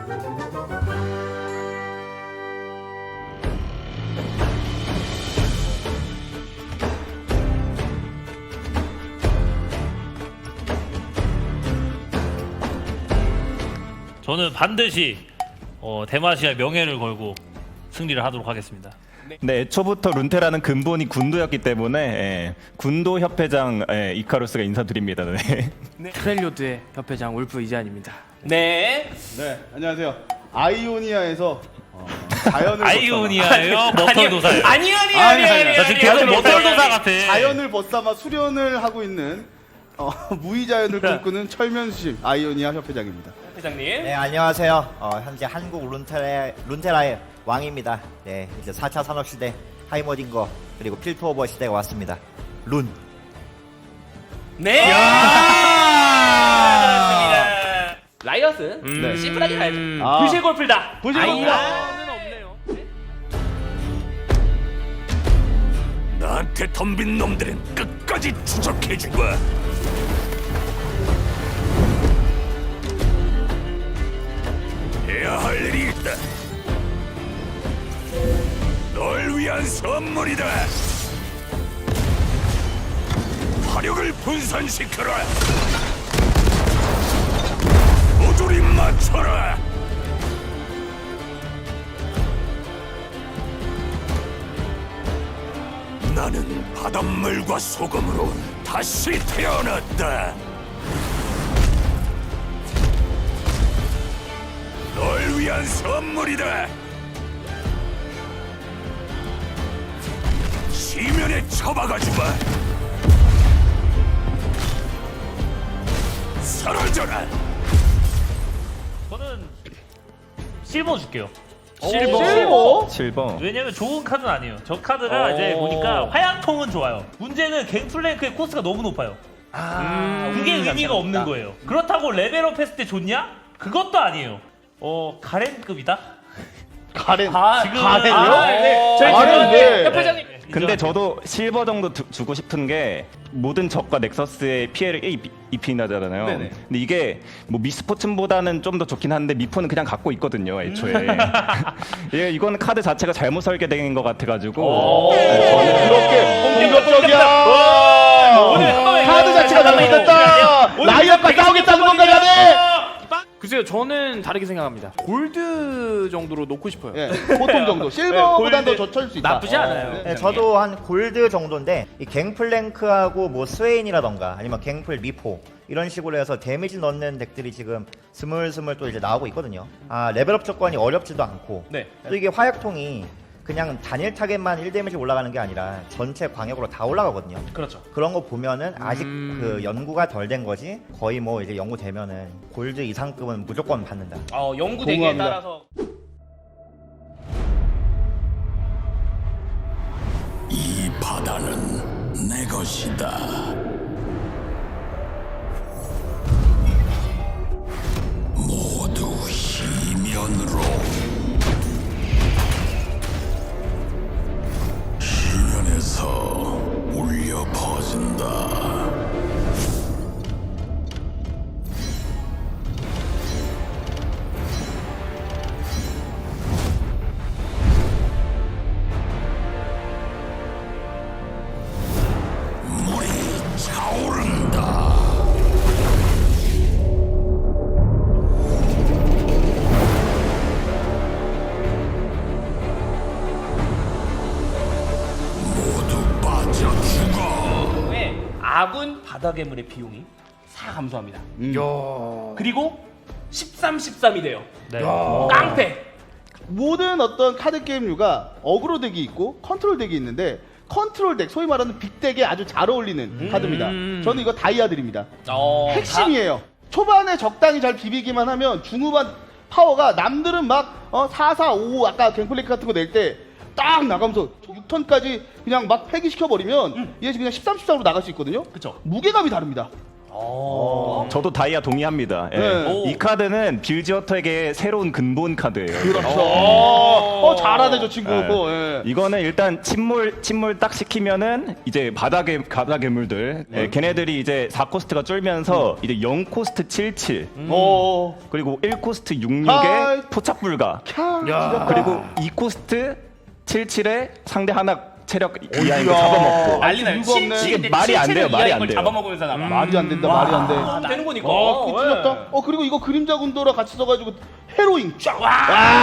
저는 반드시 대마시아 명예를 걸고 승리를 하도록 하겠습니다. 네, 애초부터 룬테라는 근본이 군도였기 때문에 군도 협회장 이카루스가 인사드립니다. 네. 프렐리오드의 협회장 울프 이재한입니다. 네. 네, 안녕하세요. 아이오니아에서 자연을 아이오니아예요? 머털도사예요? 아니요. 나 지금 계속 머털도사 같아. 자연을 벗삼아 수련을 하고 있는 무의자연을 꿈꾸는 철면수심 아이오니아 협회장입니다. 회장님. 네, 안녕하세요. 현재 한국 룬테라의 왕입니다. 네, 이제 4차 산업시대 하이머딩거 그리고 필트오버 시대가 왔습니다. 룬. 네. 그렇습니다. 라이엇은 네. 심플하게 가야죠. 아. 불실 골프다. 불실 골프다. 아이언은 없네요. 나한테 덤빈 놈들은 끝까지 추적해주마. 해야 할 일이 있다. 널 위한 선물이다. 화력을 분산시켜라. 모조리 맞춰라. 나는 바닷물과 소금으로 다시 태어났다. 널 위한 선물이다. 시면에 처박아주마. 사라져라. 저는 실버 줄게요. 실버. 왜냐면 좋은 카드는 아니에요. 저 카드가 이제 보니까 화약통은 좋아요. 문제는 갱플랭크의 코스가 너무 높아요. 그게 의미가 없는 거예요. 그렇다고 레벨업 했을 때 좋냐? 그것도 아니에요. 가렌급이다? 가렌. 지금 가렌이요? 네. 저희 가렌, 네. 협회장님. 근데 저도 실버 정도 주고 싶은 게 모든 적과 넥서스의 피해를 입히는 하잖아요. 네네. 근데 이게 뭐 미스포츠보다는 좀 더 좋긴 한데 미포는 그냥 갖고 있거든요, 애초에. 이건 카드 자체가 잘못 설계된 것 같아가지고. 그렇게 공격적이야. 오늘 한 번에 카드 자체가 잘못됐다. 라이엇과 싸우겠다는 건가 자네. 글쎄요, 저는 다르게 생각합니다. 골드 정도로 놓고 싶어요. 예, 보통 정도. 실버보단 더 골드. 젖혀줄 수 있다. 나쁘지 않아요. 네, 저도 한 골드 정도인데 이 갱플랭크하고 뭐 스웨인이라던가 아니면 갱플 미포 이런 식으로 해서 데미지 넣는 덱들이 지금 스물스물 또 이제 나오고 있거든요. 레벨업 조건이 어렵지도 않고 네. 또 이게 화약통이 그냥 단일 타겟만 1데미지 올라가는 게 아니라 전체 광역으로 다 올라가거든요. 그렇죠. 그런 거 보면은 아직 그 연구가 덜 된 거지 거의 뭐 이제 연구되면은 골드 이상급은 무조건 받는다. 연구 대기에 공감합니다. 따라서 이 바다는 내 것이다. 모두 시면으로. 시면에서 울려 퍼진다. 물이 차오른다. 모두 빠져 죽어. 왜 아군 바다 괴물의 비용이 4 감소합니다. 그리고 13, 13이 돼요. 네. 깡패. 모든 어떤 카드 게임류가 어그로 덱이 있고 컨트롤 덱이 있는데 컨트롤 덱, 소위 말하는 빅덱에 아주 잘 어울리는 카드입니다. 저는 이거 다이아 드립니다. 핵심이에요. 초반에 적당히 잘 비비기만 하면 중후반 파워가 남들은 막 4, 4, 5 아까 갱플랭크 같은 거 낼 때 딱 나가면서 6턴까지 그냥 막 폐기시켜버리면 얘 그냥 13, 13으로 나갈 수 있거든요. 그쵸. 무게감이 다릅니다. 저도 다이아 동의합니다. 예. 네. 이 카드는 빌지어터에게 새로운 근본 카드예요. 그렇죠. 잘하네 저 친구. 네. 예. 이거는 일단 침몰 딱 시키면은 이제 바다 괴물들 걔네들이 이제 4코스트가 쫄면서 이제 0코스트 77 그리고 1코스트 66에 하이. 포착 불가 캬. 그리고 2코스트 77에 상대 하나 체력 이하인 거 잡아먹고 난리 나요. 이거 없네. 이게 말이 안 돼요, 말이 안 돼요. 잡아먹으면서 나가. 말이 안 된다. 말이 안 돼. 아, 되는 거니까. 그거 틀렸다. 그리고 이거 그림자 군도랑 같이 써가지고 헤로인 쫙. 와.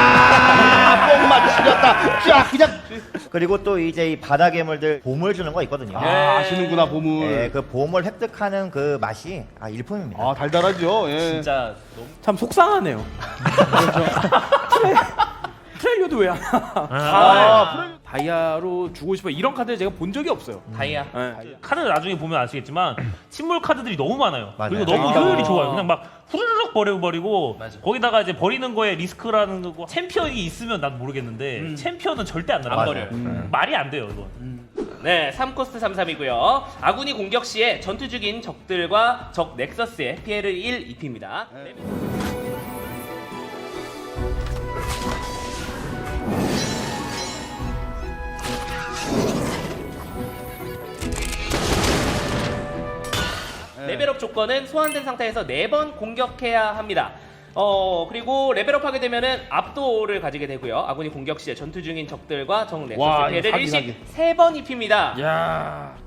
뻥만 지렸다. 쫙 그냥. 그리고 또 이제 이 바다 괴물들 보물 주는 거 있거든요. 아시는구나 보물. 예, 그 보물 획득하는 그 맛이 일품입니다. 달달하죠. 예. 진짜 너무 참 속상하네요. 트레일러도 왜 안 프레- 다이아로 주고 싶어 이런 카드 제가 본 적이 없어요. 다이아. 네. 카드 나중에 보면 아시겠지만 침몰 카드들이 너무 많아요. 맞아요. 그리고 너무 아. 효율이 좋아요. 그냥 막 후루룩 버리고 맞아. 거기다가 이제 버리는 거에 리스크라는 거 챔피언이 있으면 난 모르겠는데 챔피언은 절대 안 날아가요. 맞아요. 말이 안 돼요 이건. 네, 3코스트 33이고요. 아군이 공격 시에 전투 중인 적들과 적 넥서스에 피해를 1 입힙니다. 레벨업 조건은 소환된 상태에서 4번 공격해야 합니다. 그리고 레벨업 하게 되면은 압도를 가지게 되고요. 아군이 공격 시에 전투 중인 적들과 적 넥서스 와, 피해를 사기, 일씩 3번 입힙니다. 야.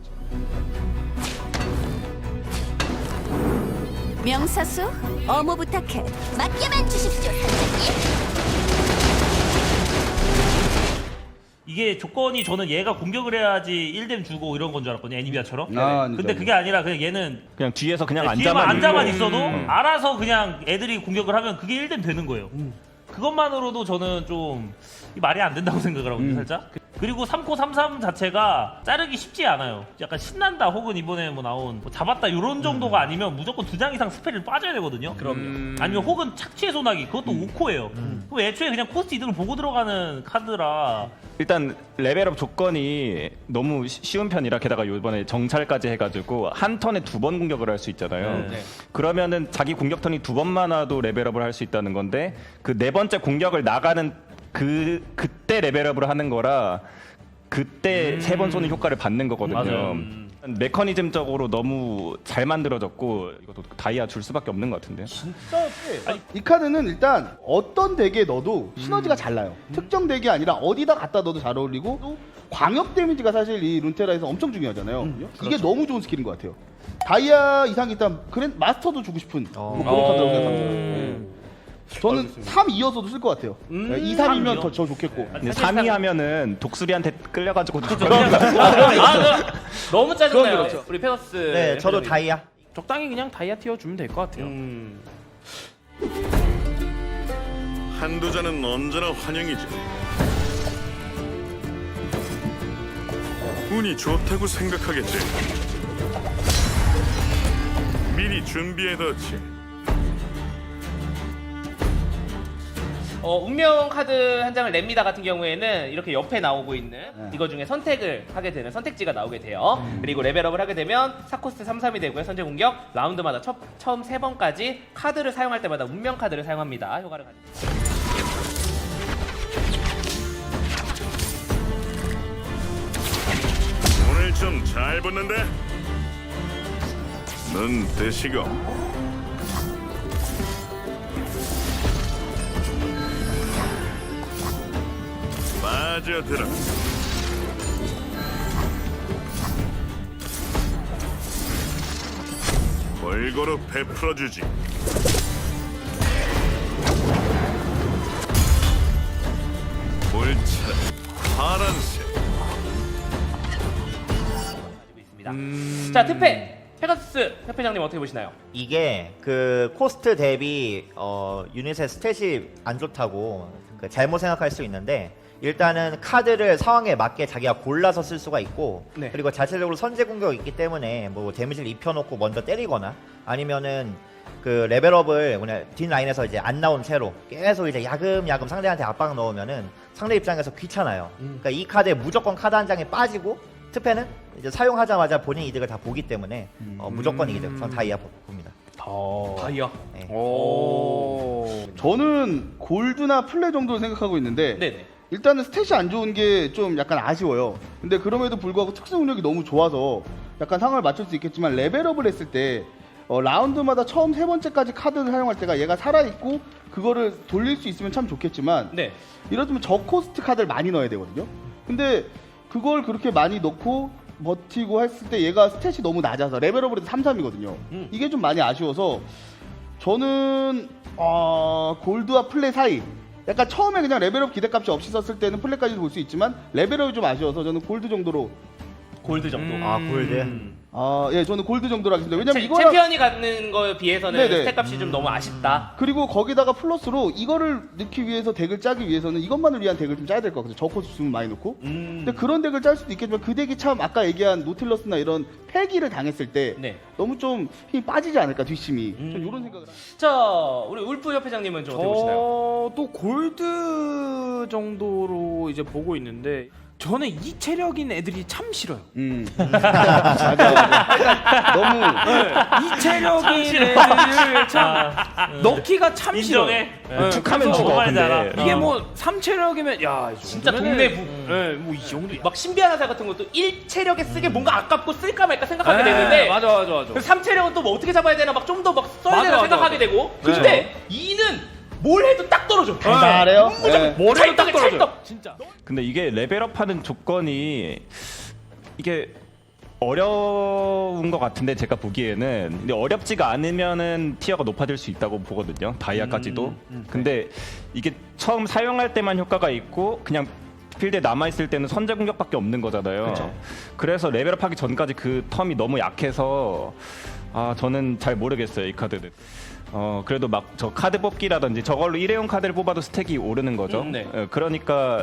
명사수, 어무 부탁해. 맡겨만 주십시오, 선생님. 이게 조건이 저는 얘가 공격을 해야지 1뎀 주고 이런 건 줄 알았거든요. 애니비아처럼. 근데 아니죠. 그게 아니라 그냥 얘는 그냥 뒤에서 그냥 뒤에만 앉아만 있고. 있어도 알아서 그냥 애들이 공격을 하면 그게 1뎀 되는 거예요. 그것만으로도 저는 좀 말이 안 된다고 생각을 하거든요, 살짝. 그리고 3코 33 자체가 자르기 쉽지 않아요. 약간 신난다 혹은 이번에 뭐 나온 뭐 잡았다 이런 정도가 아니면 무조건 2장 이상 스펠을 빠져야 되거든요. 그럼요. 아니면 혹은 착취의 소나기 그것도 5코예요. 그럼 애초에 그냥 코스트 이득을 보고 들어가는 카드라 일단 레벨업 조건이 너무 쉬운 편이라 게다가 이번에 정찰까지 해가지고 한 턴에 2번 공격을 할 수 있잖아요. 네. 그러면은 자기 공격 턴이 2번만 와도 레벨업을 할 수 있다는 건데 그 4번째 공격을 나가는 그때 레벨업을 하는 거라 그때 3번 쏘는 효과를 받는 거거든요. 맞아요. 메커니즘적으로 너무 잘 만들어졌고 이것도 다이아 줄 수밖에 없는 것 같은데요. 이 카드는 일단 어떤 덱에 넣어도 시너지가 잘 나요. 특정 덱이 아니라 어디다 갖다 넣어도 잘 어울리고 또 광역 데미지가 사실 이 룬테라에서 엄청 중요하잖아요. 이게 너무 좋은 스킬인 것 같아요. 다이아 이상이 있다면 마스터도 주고 싶은 뭐 그런 카드라고 생각합니다. 저는 3이어서도 쓸 것 같아요. 2, 3이면 더 좋겠고. 근데 3위 하면은 독수리한테 끌려가지고 너무 짜증나요. 그건 그렇죠. 우리 페거스. 네, 저도 다이아. 적당히 그냥 다이아 티어 주면 될 것 같아요. 한두 잔은 언제나 환영이지. 운이 좋다고 생각하겠지. 미리 준비해뒀지. 운명 카드 한 장을 냅니다 같은 경우에는 이렇게 옆에 나오고 있는 이거 중에 선택을 하게 되는 선택지가 나오게 돼요. 그리고 레벨업을 하게 되면 4코스트 33이 되고요. 선제 공격 라운드마다 처음 3번까지 카드를 사용할 때마다 운명 카드를 사용합니다. 효과를 가지고. 오늘 좀 잘 붙는데? 눈 뜨시고. 빠져들어. 골고루 베풀어주지. 물차 파란색. 있습니다. 자, 특패 페가수스 협회장님 어떻게 보시나요? 이게 그 코스트 대비 유닛의 스탯이 안 좋다고 잘못 생각할 수 있는데 일단은 카드를 상황에 맞게 자기가 골라서 쓸 수가 있고 네. 그리고 자체적으로 선제 공격이 있기 때문에 뭐 데미지를 입혀놓고 먼저 때리거나 아니면은 그 레벨업을 그냥 뒷라인에서 이제 안 나온 채로 계속 이제 야금야금 상대한테 압박 넣으면은 상대 입장에서 귀찮아요. 그러니까 이 카드에 무조건 카드 한 장에 빠지고 특패는 이제 사용하자마자 본인 이득을 다 보기 때문에 무조건 이기죠. 전 다이아 봅니다. 다이아. 네. 오. 저는 골드나 플레 정도로 생각하고 있는데 네네. 일단은 스탯이 안 좋은 게 좀 약간 아쉬워요. 근데 그럼에도 불구하고 특수 능력이 너무 좋아서 약간 상황을 맞출 수 있겠지만 레벨업을 했을 때 라운드마다 처음 세 번째까지 카드를 사용할 때가 얘가 살아있고 그거를 돌릴 수 있으면 참 좋겠지만 네. 이러면 저코스트 카드를 많이 넣어야 되거든요. 근데 그걸 그렇게 많이 넣고 버티고 했을 때 얘가 스탯이 너무 낮아서 레벨업을 해도 3-3이거든요. 이게 좀 많이 아쉬워서 저는 골드와 플레 사이 약간 처음에 그냥 레벨업 기대값이 없이 썼을 때는 플레까지도 볼 수 있지만 레벨업이 좀 아쉬워서 저는 골드 정도로 골드 정도. 아 골드. 예, 저는 골드 정도로 하겠습니다. 왜냐면 이거 챔피언이 갖는 거에 비해서는 네네. 스택 값이 좀 너무 아쉽다. 그리고 거기다가 플러스로 이거를 넣기 위해서 덱을 짜기 위해서는 이것만을 위한 덱을 좀 짜야 될 것 같아요. 저코스 주문 많이 넣고. 근데 그런 덱을 짤 수도 있겠지만 그 덱이 참 아까 얘기한 노틸러스나 이런 패기를 당했을 때 네. 너무 좀 힘이 빠지지 않을까 뒷심이. 좀 이런 생각을. 자, 우리 울프 협회장님은 좀 어떻게 보시나요? 또 골드 정도로 이제 보고 있는데 저는 이 체력인 애들이 참 싫어요. 맞아. 너무 이 체력인 애들을 참 넣기가 참 인정해. 싫어요. 툭하면 죽어. 정말 잘 알아. 근데 이게 뭐 3체력이면 야, 이 진짜 정도면은- 동네부. 네, 뭐이 정도. 막 신비한 화살 같은 것도 1체력에 쓰게 뭔가 아깝고 쓸까 말까 생각하게 되는데 맞아. 3체력은 또 뭐 어떻게 잡아야 되나 막 좀 더 막 써야 되나 맞아, 생각하게 맞아. 되고 근데 2는 뭘 해도 딱 떨어져. 잘해요. 네. 뭘 해도 딱 찰떡에 떨어져요. 찰떡. 진짜. 근데 이게 레벨업하는 조건이 이게 어려운 것 같은데 제가 보기에는 근데 어렵지가 않으면은 티어가 높아질 수 있다고 보거든요. 다이아까지도. 근데 이게 처음 사용할 때만 효과가 있고 그냥 필드에 남아있을 때는 선제 공격밖에 없는 거잖아요. 그래서 레벨업하기 전까지 그 텀이 너무 약해서 저는 잘 모르겠어요, 이 카드는. 그래도 막 저 카드 뽑기라든지 저걸로 일회용 카드를 뽑아도 스택이 오르는 거죠. 네. 그러니까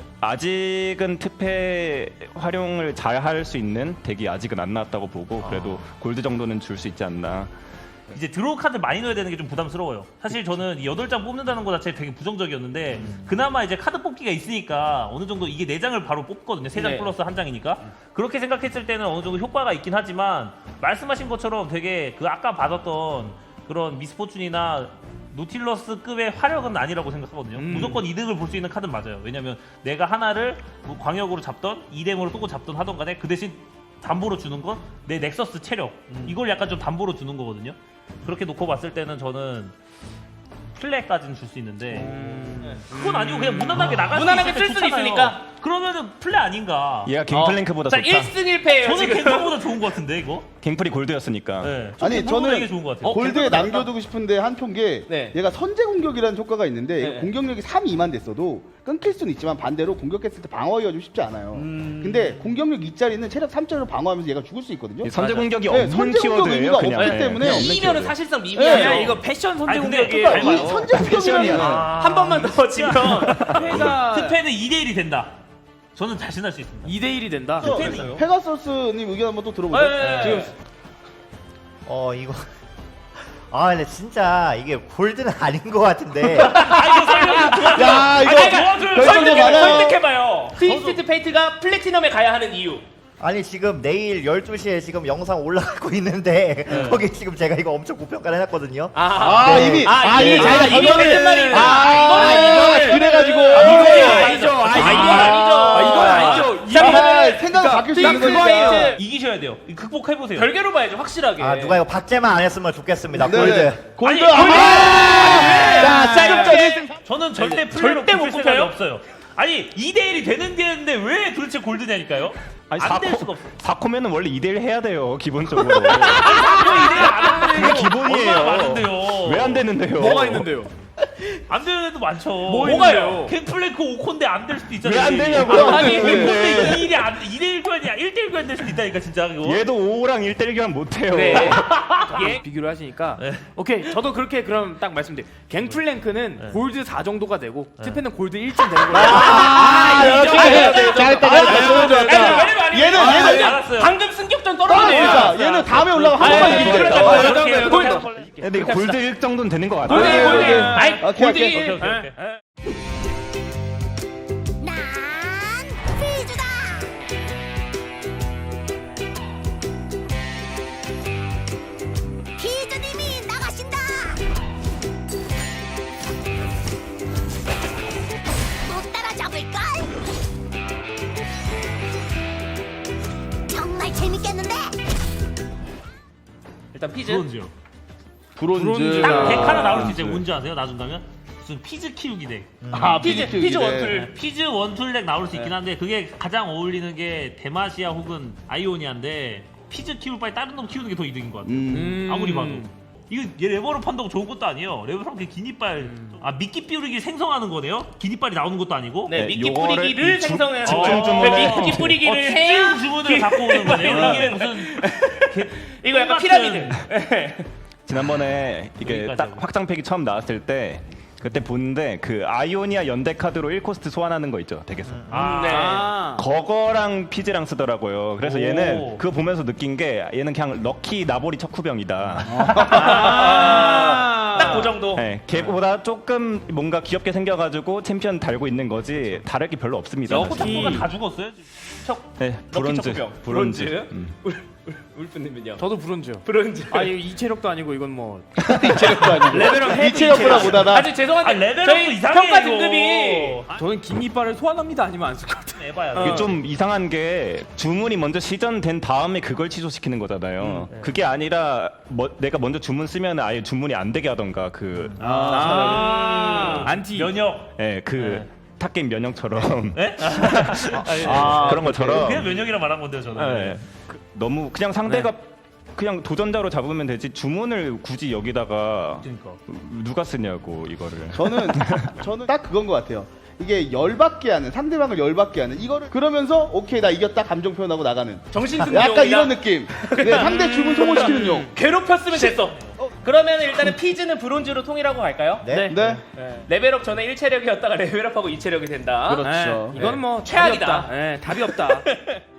아직은 특패 활용을 잘 할 수 있는 덱이 아직은 안 나왔다고 보고 그래도 골드 정도는 줄 수 있지 않나. 이제 드로우 카드 많이 넣어야 되는 게 좀 부담스러워요. 사실 저는 이 8장 뽑는다는 거 자체 되게 부정적이었는데 그나마 이제 카드 뽑기가 있으니까 어느 정도 이게 4장을 바로 뽑거든요. 3장 네. 플러스 1장이니까. 그렇게 생각했을 때는 어느 정도 효과가 있긴 하지만 말씀하신 것처럼 되게 그 아까 받았던 그런 미스포춘이나 노틸러스급의 화력은 아니라고 생각하거든요. 무조건 이득을 볼 수 있는 카드는 맞아요. 왜냐면 내가 하나를 뭐 광역으로 잡던 이뎀으로 쏘고 잡던 하던 간에 그 대신 담보로 주는 건 내 넥서스 체력 이걸 약간 좀 담보로 주는 거거든요. 그렇게 놓고 봤을 때는 저는 플레까지는 줄 수 있는데 그건 아니고 그냥 무난하게 나갈 무난하게 수 쓸 있을 수는 때 좋잖아요. 있으니까. 그러면 플레 아닌가. 얘가 갱플랭크보다 자, 좋다. 1승 1패예요. 저는 지금. 갱플보다 좋은 것 같은데 이거. 갱플이 골드였으니까. 네. 아니 이게 저는 좋은 것 같아요. 골드에 남겨두고 싶은데 한 표게 네. 얘가 선제 공격이라는 효과가 있는데 네. 얘가 공격력이 3, 2만 됐어도 끊길 수는 있지만 반대로 공격했을 때 방어하기가 좀 쉽지 않아요. 근데 공격력 2짜리는 체력 3짜리로 방어하면서 얘가 죽을 수 있거든요. 선제 공격이 네, 없는 선제 공격 키워드예요. 의미가 그냥. 없기 때문에 그냥 없는 이면은 키워드. 사실상 네. 미미해요. 야, 이거 패션 선제 아니, 근데 공격이에요. 그러니까 이 선제 공격이라는 한 번만 더 지면 패가 특패는 2대1이 된다. 저는 자신할 수 있습니다. 2대1이 된다. 페가서스님 의견 한번 또 들어보죠. 네. 지금 이거 근데 진짜 이게 골드는 아닌 것 같은데. 야 이거 결정도 많아요. 설득해봐요. 트위스티드 페이트가 플래티넘에 가야 하는 이유. 아니 지금 내일 12시에 지금 영상 올라가고 있는데 거기 지금 제가 이거 엄청 고평가를 해놨거든요. 이미 이미 자기가 이미 이거를- 되는 말이 있네. 이거는 그래가지고 아니죠. 이건 아니죠. 생각이 바뀔 수 있는 거니까. 페이트 이기셔야 돼요. 이거 극복해보세요. 별개로 봐야죠, 확실하게. 누가 이거 박제만 안 했으면 좋겠습니다. 네. 골드. 골드. 아니, 자, 짤 저는 절대 플레이로 절대 못 뽑힐 생각이 뽑혀요? 없어요. 아니 2대1이 되는 게 있는데 왜 도대체 골드냐니까요? 아니 안 될 수가 없어. 4코면은 원래 2대1 해야 돼요. 기본적으로. 이대일 안 하는 그게 기본이에요. 얼마나 많은데요. 왜 안 되는데요? 뭐가 있는데요? 안 되는 애도 많죠. 뭐가요? 갱플랭크 5콘데 안 될 수도 있잖아요. 왜 안 되냐고요? 아니 왜? 5콘데 2대1 교환이야. 1대1 교환 될 수도 있다니까 진짜 그거. 얘도 5랑 1대1 교환 못해요. 네. 예. 비교를 하시니까 네. 오케이 저도 그렇게 그럼 딱 말씀드릴게요. 갱플랭크는 네. 골드 4 정도가 되고 특패는 골드 1쯤 되는 거예요. 잘했다. 얘는 알았어요. 방금 승격전 떨어지네요. 그러니까 얘는 다음에 올라가 한 번만 아니, 이기죠. 그러니까 근데 골드 1 정도는 되는 것 같아요. 골드 오케이. 아이 오케이, 골드 오케이. 오케이, 오케이. 난 피주다. 일단 피즈. 브론즈요. 브론즈. 딱 덱 하나 나올 수 있어요. 뭔지 아세요? 나중가면 무슨 피즈 키우기 덱. 아, 피즈 키우기 원툴. 피즈 원툴 덱 나올 수 있긴 한데 그게 가장 어울리는 게 데마시아 혹은 아이오니아인데 피즈 키울 바에 다른 놈 키우는 게 더 이득인 것 같아요. 아무리 봐도. 이거 얘 레버업 한다고 좋은 것도 아니에요. 레버업 하면 긴 이빨 미끼 삐우기 생성하는 거네요? 긴 이빨이 나오는 것도 아니고. 네, 미끼 요거를 뿌리기를 이 주- 생성해서 집중 주문을- 미끼 뿌리기를 해야 주문을 갖고 오는 거네요. 이게 무슨 이거 약간 똑같은- 피라미드. 지난번에 이게 여기까지 딱 하고. 확장팩이 처음 나왔을 때 그때 보는데 그 아이오니아 연대 카드로 1코스트 소환하는 거 있죠 덱에서. 아. 거거랑 피즈랑 쓰더라고요. 그래서 오. 얘는 그거 보면서 느낀 게 얘는 그냥 럭키 나보리 척후병이다. 딱 그 정도. 네, 걔보다 조금 뭔가 귀엽게 생겨가지고 챔피언 달고 있는 거지 다를 게 별로 없습니다. 코타쿠가 다 죽었어요. 네, 브론즈. 척후병. 브론즈. 브론즈? 울프님은요? 저도 브론즈요. 브론즈. 아 이거 이 체력도 아니고 이건 뭐 이체력도 아니고. 레벨업 해도 이체력보다 못하다. 아주 죄송한데 레벨업도 저희 이상해, 평가 이거. 등급이 저는 긴 이빨을 소환합니다 아니면 안 쓸 것 같아요. 에바야. 이게 좀 이상한 게 주문이 먼저 시전된 다음에 그걸 취소시키는 거잖아요. 그게 아니라 내가 먼저 주문 쓰면 아예 주문이 안 되게 하던가 그 안티 면역. 예, 그 탑게임 면역처럼 네? 그런 것처럼 그냥 면역이라 말한 건데요, 저는. 예, 너무 그냥 상대가 그냥 도전자로 잡으면 되지 주문을 굳이 여기다가 그러니까. 누가 쓰냐고 이거를. 저는 딱 그건 것 같아요. 이게 열받게 하는, 상대방을 열받게 하는 이거를 그러면서 오케이 나 이겼다 감정 표현하고 나가는 정신승리용이다. 약간 이런 느낌. 네, 상대 주문 소모시키는 용. 괴롭혔으면 됐어. 그러면 일단은 피즈는 브론즈로 통일하고 갈까요? 네. 네. 레벨업 전에 1체력이었다가 레벨업하고 2체력이 된다. 그렇죠. 이거는 뭐 최악이다. 답이 없다. 예, 답이 없다.